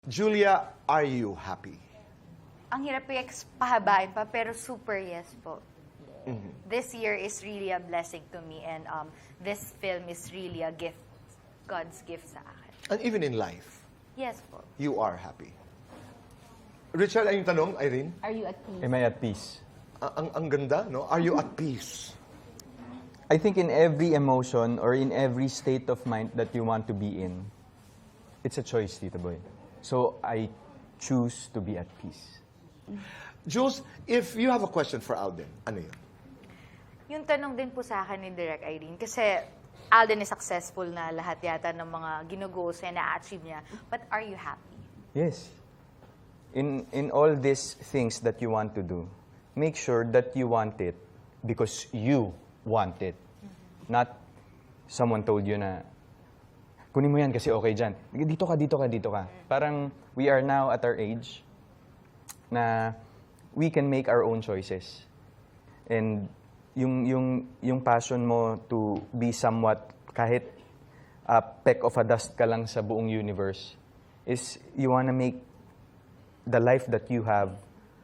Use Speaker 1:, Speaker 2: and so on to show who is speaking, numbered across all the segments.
Speaker 1: Julia, are you happy?
Speaker 2: Ang hirap pahabain pa, pero super yes po. This year is really a blessing to me, and this film is really a gift, God's gift sa akin.
Speaker 1: And even in life,
Speaker 2: Yes po.
Speaker 1: you are happy. Richard, ay yung tanong, Irene?
Speaker 3: Are you at peace?
Speaker 4: Am I at peace?
Speaker 1: Ang ganda, no? Are you at peace?
Speaker 4: I think in every emotion or in every state of mind that you want to be in, it's a choice, Tito Boy. So I choose to be at peace.
Speaker 1: Jules, if you have a question for Alden, ano yun?
Speaker 2: Yung tanong din po sa akin ni Direk Irene, kasi Alden is successful na lahat yata ng mga ginugoals niya, na-achieve niya. But are you happy?
Speaker 4: Yes. In all these things that you want to do, make sure that you want it because you want it. Not someone told you na, kunin mo yan kasi okay dyan. Dito ka, dito ka, dito ka. Parang we are now at our age na we can make our own choices. And yung passion mo to be somewhat, kahit a peck of a dust ka lang sa buong universe, is you wanna make the life that you have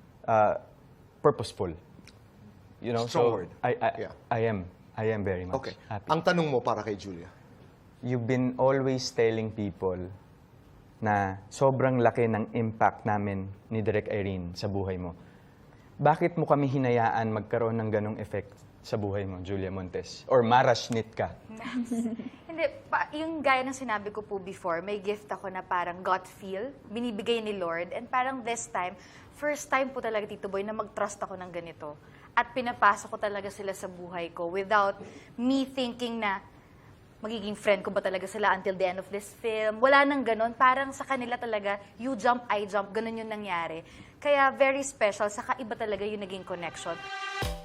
Speaker 4: purposeful. You know,
Speaker 1: Strong
Speaker 4: so
Speaker 1: word. Yeah.
Speaker 4: I am very much
Speaker 1: Okay.
Speaker 4: happy.
Speaker 1: Ang tanong mo para kay Julia.
Speaker 4: You've been always telling people na sobrang laki ng impact namin ni Direk Irene sa buhay mo. Bakit mo kami hinayaan magkaroon ng ganong effect sa buhay mo, Julia Montes? Or marashnit ka?
Speaker 2: Hindi, yung gaya ng sinabi ko po before, may gift ako na parang gut feel, binibigay ni Lord. And parang this time, first time po talaga, Tito Boy, na mag-trust ako ng ganito. At pinapasok ko talaga sila sa buhay ko without me thinking na magiging friend ko ba talaga sila until the end of this film. Wala nang ganon. Parang sa kanila talaga, you jump, I jump, ganon yung nangyari. Kaya very special, saka iba talaga yung naging connection.